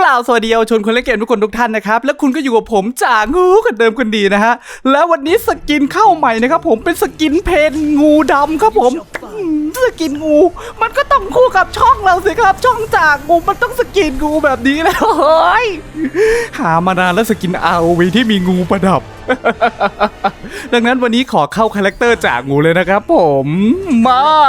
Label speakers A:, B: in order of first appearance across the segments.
A: ล่าสวัสดีเยาวชนคนเล่นเกมทุกคนทุกท่านนะครับและคุณก็อยู่กับผมจ่างูคนเดิมคนดีนะฮะแล้ววันนี้สกินเข้าใหม่นะครับผมเป็นสกินเพนงูดำครับผมสกินงูมันก็ต้องคู่กับช่องเราสิครับช่องจ่างูมันต้องสกินงูแบบนี้แล้วเฮ้ยหามานานแล้วสกิน ROV ที่มีงูประดับ ดังนั้นวันนี้ขอเข้าคาแรคเตอร์จ่างูเลยนะครับผมมา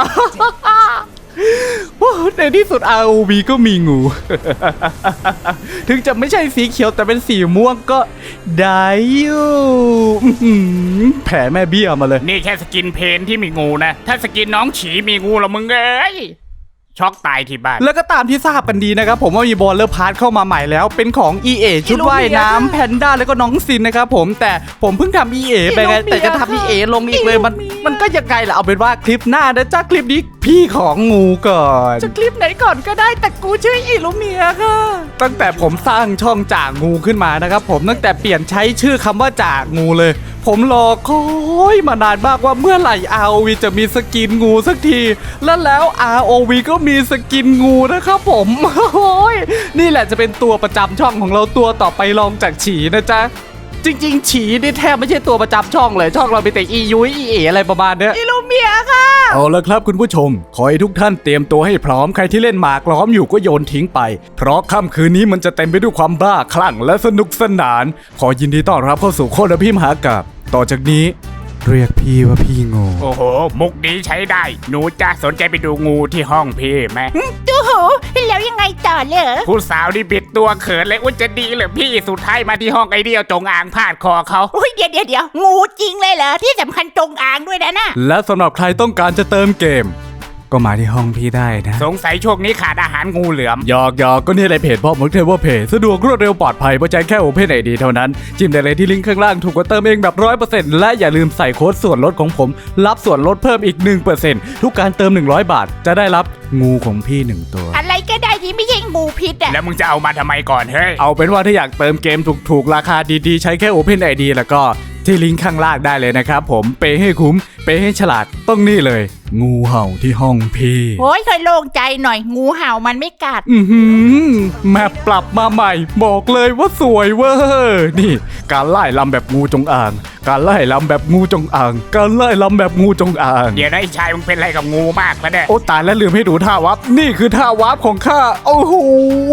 A: ในที่สุด ROV ก็มีงู ถึงจะไม่ใช่สีเขียวแต่เป็นสีม่วงก็ได้อยู่แผ่แม่เบี้ยมาเลย
B: นี่แค่สกินเพนที่มีงูนะถ้าสกินน้องฉีมีงูละมึงเอ้ยช็อกตายที่บ้าน
A: แล้วก็ตามที่ทราบกันดีนะครับผมว่ามีบอลเลอร์พาร์ทเข้ามาใหม่แล้วเป็นของ EA ชุดว่ายน้ำแพนด้าแล้วก็น้องซินนะครับผมแต่ผมเพิ่งทำ EA ไปไงแต่จะทำ EA ลงอีกเลยมันก็ยังไงล่ะเอาเป็นว่าคลิปหน้านะจ้าคลิปนี้พี่ของงูก่อนจะคลิปไหนก่อนก็ได้แต่กูชื่ออิลูเมียค่ะตั้งแต่ผมสร้างช่องจ่างูขึ้นมานะครับผมตั้งแต่เปลี่ยนใช้ชื่อคำว่าจ่างูเลยผมรอคอยมานานมากว่าเมื่อไหร่ ROV จะมีสกินงูสักทีแล้ว ROV ก็มีสกินงูนะครับผมโอ้ยนี่แหละจะเป็นตัวประจำช่องของเราตัวต่อไปรองจากฉีนะจ๊ะจริงๆฉีนี่แทบไม่ใช่ตัวประจำช่องเลยช่องเราเป็นแต่อียุ้ยอีเออะไรประมาณเนี้ยอิลูเมียค่ะเอาละครับคุณผู้ชมขอให้ทุกท่านเตรียมตัวให้พร้อมใครที่เล่นหมากล้อมอยู่ก็โยนทิ้งไปเพราะค่ำคืนนี้มันจะเต็มไปด้วยความบ้าคลั่งและสนุกสนานขอยินดีต้อนรับเข้าสู่โคตรพี่มหากาพย์ต่อจากนี้เรียกพี่ว่าพี่งู
B: โอ้โหมุกนี้ใช้ได้หนูจะสนใจไปดูงูที่ห้องพี่ไหม
C: ดูโหแล้วยังไงต่อเลย
B: ผู้สาวนี่บิดตัวเขินเลยว่าจะดีเหรอพี่สุดท้ายมาที่ห้องไอเดียวจงอางพาดคอเขา
C: เดี๋ยวงูจริงเลยเหรอที่สำคัญจงอางด้วยนะ
A: และสำหรับใครต้องการจะเติมเกมก็มาที่ห้องพี่ได้นะ
B: สงสัยช่วงนี้ขาดอาหารงูเหลือม
A: หยอกก็นี่อะไรเพจพ่อมดเทเวอร์เพจสะดวกรวดเร็วปลอดภัยเพราะใจแค่ Open ID เท่านั้นจิ้มได้เลยที่ลิงก์ข้างล่างถูกกว่าเติมเองแบบ 100% และอย่าลืมใส่โค้ดส่วนลดของผมรับส่วนลดเพิ่มอีก 1% ทุกการเติม100 บาทจะได้รับงูของพี่1ตัว
C: อะไรก็ได้ที่ไม่ใช่งูพิษ
B: แล้วมึงจะเอามาทำไมก่อนเฮ้ย
A: เอาเป็นว่าถ้าอยากเติมเกมถูกๆราคาดีๆใช้แค่ Open ID แล้วก็ที่ลิงก์ข้างล่างได้เลยนะครับผมเปย์ให้คุ้มเปย์ให้ฉลาดต้องนี่เลยงูเห่าที่ห้องพี่
C: โอ้ยเคยโล่งใจหน่อยงูเห่ามันไม่กัด
A: แมปปรับมาใหม่บอกเลยว่าสวยเวอร์นี่การไล่ลำแบบงูจงอางการไล่ลำแบบงูจงอางการไล่ลำแบบงูจงอาง
B: เดี๋ยวนะไอ้ชายมึงเป็นอะไรกับงูมากปะเนี่ย
A: โอ้ตายแล้วลืมให้ดูท่าวับนี่คือท่าวับของข้าโอ้โห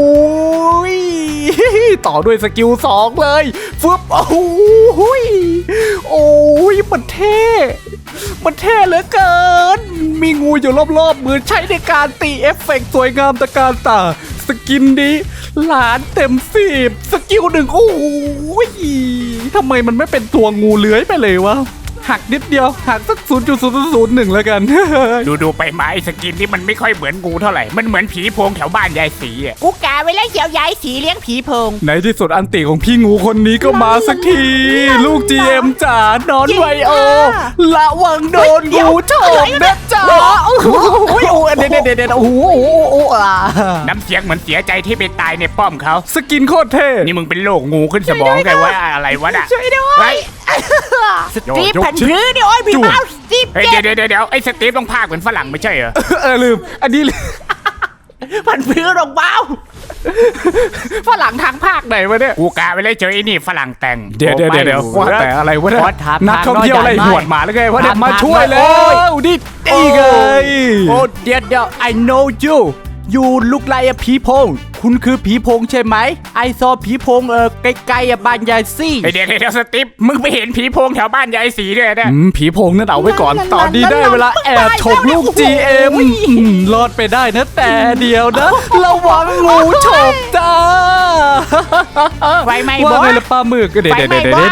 A: ต่อด้วยสกิล2เลยฟึบโอ้โหโอ้ยมันเท่เหลือเกินมีงูอยู่รอบๆมือใช้ในการตีเอฟเฟกต์สวยงามตะการตาสกินนี้หลานเต็ม10สกิล1โอ้ยทำไมมันไม่เป็นตัวงูเลื้อยไปเลยวะหักนิดเดียวหักสัก 0.001 แล้วกัน
B: ดูไปไม้สกินที่มันไม่ค่อยเหมือนงูเท่าไหร่มันเหมือนผีโพงแถวบ้านยายสีอ่ะ
C: กูกะไว้แล้วเดี๋ยวยายสีเลี้ยงผีโพง
A: ในที่สุดอันติของพี่งูคนนี้ก็มาสักทีลูก GM จ๋านอนไวโอระวังโดนงูฉกนะจ๋าโอ้โหเด็ดโอ้โห
B: น้ำเสียงเหมือนเสียใจที่ไปตายในป้อมเขา
A: สกินโคตรเท่
B: นี่มึงเป็นโรคงูขึ้นสมองไงวะอะไรวะน่ะ
C: ช่วยด้วยสตีฟพันพื้นเนี่ยโอ้ยพี่บ้าสตีฟ
B: เดี๋ยวไอ้สตีฟต้องพากเหมือนฝรั่งไม่ใช่เหรอ
A: ลืมอันนี้
C: พันพื้นลงเบา
A: ฝรั่งทางภาคไหนวะเนี่ย
B: กูกะไปเลยเจอไอ้นี่ฝรั่งแต่ง
A: เดี๋ยวว่าแต่อะไรวะเนี่ยนักท่องเที่ยวอะไรหวดหมาแล้วไงวะเนี่ยมาช่วยแล้วนี่ไง
C: โอ้เดี๋ยว I know you look like a ผีโพงคุณคือผีโพงใช่ไหมไอซอผีโพงไกลๆบ้านยายซี่
B: เดี๋ยวสติ๊ปมึงไปเห็นผีโพงแถวบ้านยายสีด้วยนะ
A: ผีโพงนั่นเอาไว้ก่อนตอนนี้ได้เวลาแอบฉกลูก GM รอดไปได้นะแต่เดียวนะระวังงูฉกจ้า
C: ไฟไหม้
A: ว่าไงล่ะป้าหมึกเดี๋ยว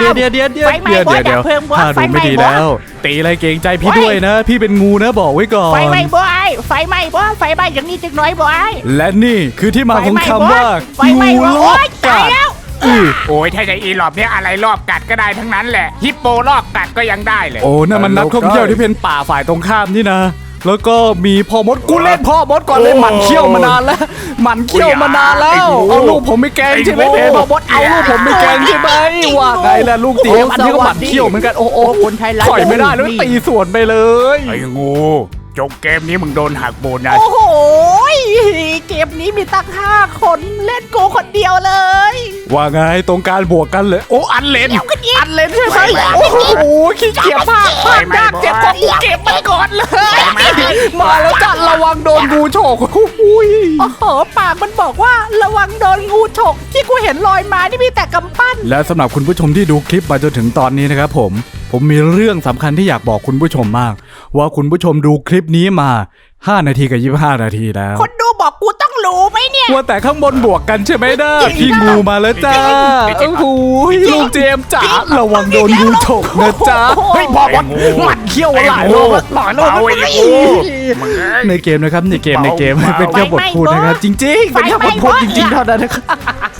A: ถ้าดูไม่ดีแล้วตีอะไรเกรงใจพี่ด้วยนะพี่เป็นงูนะบอกไว้ก่อน
C: ไฟไหม้บ่ไฟไหม้อย่างนี้จังน้อยบ่
A: และนี่คือที่มาของคำว่างูรอบกัด
B: โอ้ยถ้าจะอีหลอบเนี่ยอะไรรอบกัดก็ได้ทั้งนั้นแหละฮิปโปรอบกัดก็ยังได้เลย
A: โอ้นั่นมันนักท่องเที่ยวที่เป็นป่าฝ่ายตรงข้ามนี่นะแล้วก็มีพ่อมดกูเล่นพ่อมดก่อนเลยหมันเขี้ยวมานานแล้วเอาลูกผมไม่แกงใช่ไหมเพจพ่อมดเอาลูกผมไม่แกงใช่ไหมว่าไงล่ะลูกตีอันนี้ก็หมันเขี้ยวเหมือนกันโอ้
C: คนไทยรัก
A: ปล่อยไม่ได้แล้วตีสวนไปเลย
B: ไอ้งูจบเกมนี้มึงโดนหักโบนัส
C: โอ้โหเกมนี้มีตั้ง5 คนเล่นกูคนเดียวเลย
A: ว่าไงตรงการบวกกันเลย
B: โอ้อันเลน
C: อันเล่นใช่ไหมโอ้โหขี้เกียจมากพลาดยากเจ็บของกูเก็บมันก่อนเลย
A: มาแล้วจ้ะระวังโดนงูโฉกอุ้ย
C: โอ้โหปากมันบอกว่าระวังโดนงูฉกที่กูเห็นลอยมานี่มีแต่กำปั้น
A: และสำหรับคุณผู้ชมที่ดูคลิปมาจนถึงตอนนี้นะครับผมมีเรื่องสำคัญที่อยากบอกคุณผู้ชมมาก ว่าคุณผู้ชมดูคลิปนี้มา5 นาทีกับ25 นาทีแล้ว
C: คนดูบอกกูต้องรู้ไหมเนี่ย
A: ว่าแต่ข้างบนบวกกันใช่ไหมเด้อพี่งูมาแล้วจ้าโอ้โหลูกเจมส์จ๋าระวังโดนงูฉกนะจ๊ะ
C: เฮ้ยพอบอล
A: หมัดเขี้ยวหลายรอบแล้วหลายรอบ
B: เอา
A: แล้ว
B: ไอ้งูมึงเอ้ย
A: ในเกมนะครับในเกมเป็นแค่บทพูดนะครับจริงๆเป็นแค่บทพูดจริงๆเท่านั้นนะครับ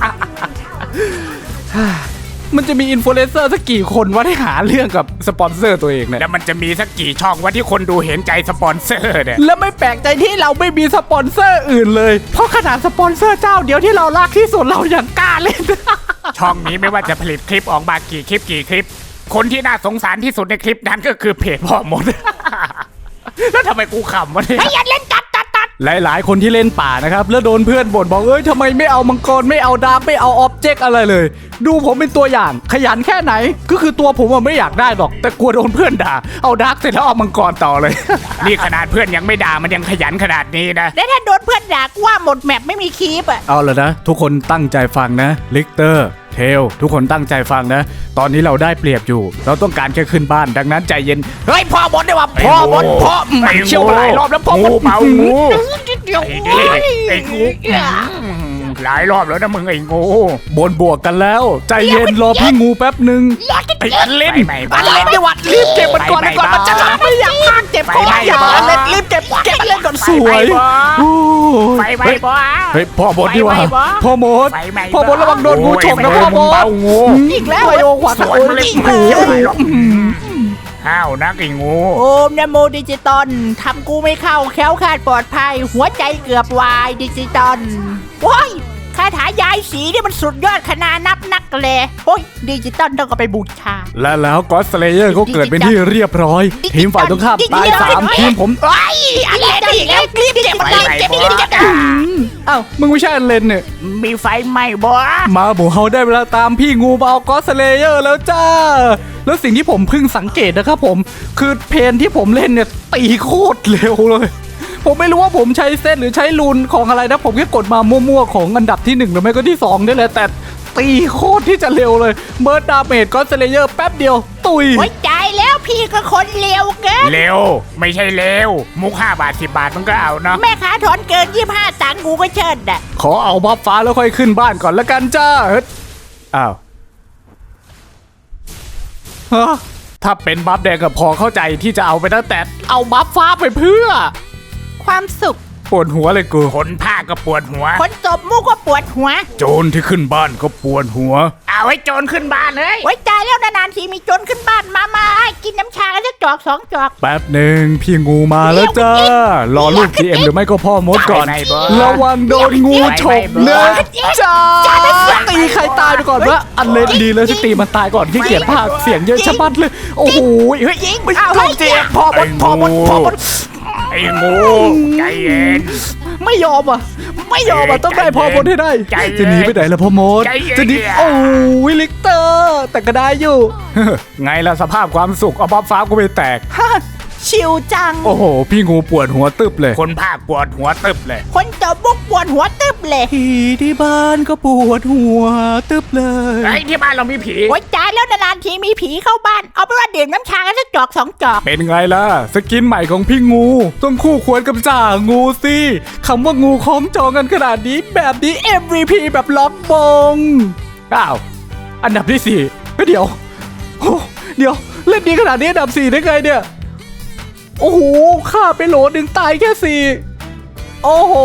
A: มันจะมีอินฟลูเอนเซอร์สักกี่คนว่าได้หาเรื่องกับสปอนเซอร์ตัวเองเนี่ย
B: แล้วมันจะมีสักกี่ช่องว่าที่คนดูเห็นใจสปอนเซอร์เนี่ย
A: แล้วไม่แปลกใจที่เราไม่มีสปอนเซอร์อื่นเลย เพราะขนาดสปอนเซอร์เจ้าเดียวที่เรารักที่สุดเรายังกล้าเล่น
B: ช่องนี้ไม่ว่าจะผลิตคลิปออกมากี่คลิป คนที่น่าสงสารที่สุดในคลิปนั้นก็คือเพจพ่อมด แล้วทำไมกูขำวะเนี่ย
C: อย่าเล่นตัด
A: หลายๆคนที่เล่นป่านะครับแล้วโดนเพื่อนบ่นบอกเอ้ยทำไมไม่เอามังกรไม่เอาดาร์กไม่เอาออบเจกต์อะไรเลย ดูผมเป็นตัวอย่างขยันแค่ไหนก็คือตัวผมอะไม่อยากได้หรอก แต่กลัวโดนเพื่อนด่าเอาดาร์กเสร็จแล้วเอามังกรต่อเลย
B: นี่ขนาดเพื่อนยังไม่ด่ามันยังขยันขนาดนี้นะ
C: แล้วถ้าโดนเพื่อนด่ากูว่าหมดแมปไม่มีคีปอ่ะ
A: เอาละนะทุกคนตั้งใจฟังนะลิกเตอร์เทลทุกคนตั้งใจฟังนะ ตอนนี้เราได้เปรียบอยู่ เราต้องการแค่ขึ้นบ้านดังนั้นใจเย็นเฮ้ยพ่อบดได้ว่าพ่อบดพ่อเชี่ยวหลายรอบแล้วพ่อบด
B: เมางู
C: เดี๋ยว
B: ไอ้งูหลายรอบแล้วนะมึงไอ้งู
A: บนบวกกันแล้ว ใจเย็นรอพี่งูแป๊บหนึ่ง
B: ไอ้อันเล่น
C: อันเล่นดีวัดรีบเก็บมันก่อนนะก่อนมันจะไม่อยากพากเจ็บคออย่าอันเล่นรีบเก็บอันเล่นก่อน
A: สวยโอ้ย
B: ไฟไหม้บ่
A: เฮ้ยพ่อบดดีว่า
C: ไฟไหม้บ่
A: พ่อมด
B: ไฟไหม้บ่
A: พ่อบดระวังโดนงูฉกนะพ่อบด
B: เบางู
C: อีกแล้ว
A: ไวโอขวัญ
B: สวนมันเล่น
C: อีก
B: งู
C: แล้ว
B: อะไรหรอกห้าวนักไอ้งู
C: โอมนะโมดิจิตอลทำกูไม่เข้าแคล้วคลาดปลอดภัย หัวใจเกือบวายดิจิตอลว้ายคาถายายสีนี่มันสุดยอดขนาดนับนักเลยโอ้ยดิจิตอลต้องเอาไปบูชา
A: และแล้วก็อดสเลเยอร์ก็เกิดเป็นที่เรียบร้อย ทีมฝ่ายตรงข้ามตาย3ทีมผม
C: ไอ้อันเล่นอีกแล้วรีบเก็บมันเลยเก็บรีบเก็บ
A: เอ้ามึงไม่ใช่อันเลนเนี่ย
B: มีไฟไหม้บ่
A: มาหมูเฮาได้เวลาตามพี่งูมาเอาก็อดสเลเยอร์แล้วจ้า แล้วสิ่งที่ผมเพิ่งสังเกตนะครับผมคือเพนที่ผมเล่นเนี่ยตีโคตรเร็วเลย ผมไม่รู้ว่าผมใช้เส้นหรือใช้รูนของอะไรนะผมแค่กดมามั่วๆของอันดับที่1หรือไม่ก็ที่2นี่แหละแต่ตีโคตรที่จะเร็วเลยเบิร์ดดาเมจก็อดสเลเยอร์แป๊บเดียวตุย
C: หัวใจแล้วพี่ก็คนเร็วเกิน
B: เร็วไม่ใช่เร็วมุก5 บาท 10 บาทมันก็เอาเนาะ
C: แม่ค้าถอนเกิน25ตังค์กูก็เชิดอ่ะ
A: ขอเอาบัฟฟ้าแล้วค่อยขึ้นบ้านก่อนละกันจ้าเฮ้ยอ้าวฮะถ้าเป็นบัฟแดงก็พอเข้าใจที่จะเอาไปนะแต่เอาบัฟฟ้าไปเพื่อ
C: ความสุข
A: ปวดหัวเลยกู
B: คนภาคก็ปวดหัว
C: คนตบมุกก็ปวดหัว
A: โจรที่ขึ้นบ้านก็ปวดหัว
B: เอาให้โจรขึ้นบ้านเลย
C: ไว้ใจแล้วนานๆทีมีโจรขึ้นบ้านมาให้กินน้ำชากันสักจอก2 จอก
A: แป๊บหนึ่งพี่งูมาแล้วจ้า รอลูก GM หรือไม่ก็พ่อมดก่อน
B: ไม่บ่
A: ระวังโดนงูฉกนะจ้า
C: จ้า
A: ตีใครตายไปก่อนวะอันเล่นดีเลยสตีมันตายก่อนที่เกียจภาคเสียงเยอะชะมัดเลย โอ้โหเฮ้ย
C: ยิง
A: ไม่
C: เอา
A: ลู
C: ให้
A: ก GM พ่อมดพ่อมดพ่อมด
B: ไอ้งูใจเย็น
A: ไม่ยอมอ่ะไม่ยอมอ่ะต้องได้พ่อมดให้ได้
B: ใจเย็น
A: จะหนีไปไหนล่ะพ่อมด
B: ใจเย็น
A: จะหนีโอ้ยลิกเตอร์แต่ก็ได้อยู่ ไงล่ะสภาพความสุขเอาบัฟฟ้ากูไปแตก
C: ชิวจัง
A: โอ้โห พี่งูปวดหัวตึบเลย
B: คนภาคปวดหัวตึบเลย
C: คนตบมุกปวดหัวตึบเลย
A: ผีที่บ้านก็ปวดหัวตึบเลย
B: ไอ้ที่บ้านเรามีผี
C: ไว้ใจแล้วนานๆทีมีผีเข้าบ้าน เอาไปนว่าดื่มน้ำชากันสักจอก2 จอก
A: เป็นไงล่ะ สกินใหม่ของพี่งู ต้องคู่ควรกับจ่างูสิคำว่างูคล้องจองกันขนาดนี้แบบนี้ MVP แบบล็อกบงอ้าวอันดับที่4เฮ้ยเดี๋ยวโอ้เดี๋ยวเล่นดีขนาดนี้อันดับ4ได้ไงเนี่ยโอ้โหฆ่าไปโหลหนึ่งตายแค่4โอ้โห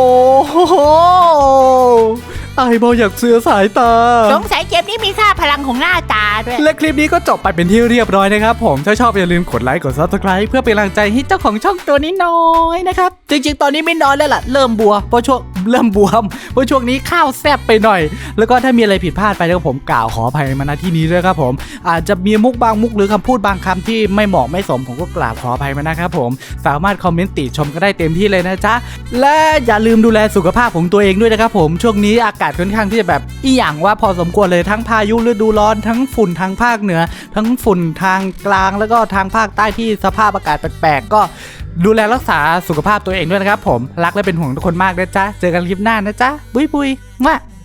A: ไอ้บออยากเสือสายตา
C: สงสัยเกมนี้มีค่าพลังของหน้าตาด้วย
A: และคลิปนี้ก็จบไปเป็นที่เรียบร้อยนะครับผมถ้าชอบอย่าลืมกดไลค์กด Subscribe เพื่อเป็นกำลังใจให้เจ้าของช่องตัวนี้น้อยนะครับ จริงๆ ตอนนี้ไม่น้อยแล้วล่ะ เริ่มบัวเพราะช่วงเริ่มบวมเพราะช่วงนี้ข้าวแซ่บไปหน่อยแล้วก็ถ้ามีอะไรผิดพลาดไปแล้วผมกล่าวขออภัยมาณที่นี้ด้วยครับผมอาจจะมีมุกบางมุกหรือคำพูดบางคำที่ไม่เหมาะไม่สมผมก็กราบขออภัยมานะครับผมสามารถคอมเมนต์ติชมก็ได้เต็มที่เลยนะจ๊ะและอย่าลืมดูแลสุขภาพของตัวเองด้วยนะครับผมช่วงนี้อากาศค่อนข้างที่จะแบบอีหยังว่าพอสมควรเลยทั้งพายุฤดูร้อนทั้งฝุ่นทางภาคเหนือทั้งฝุ่นทางกลางแล้วก็ทางภาคใต้ที่สภาพอากาศแปลกๆก็ดูแลรักษาสุขภาพตัวเองด้วยนะครับผมรักและเป็นห่วงทุกคนมากนะจ๊ะเจอกันคลิปหน้านะจ๊ะบุยมา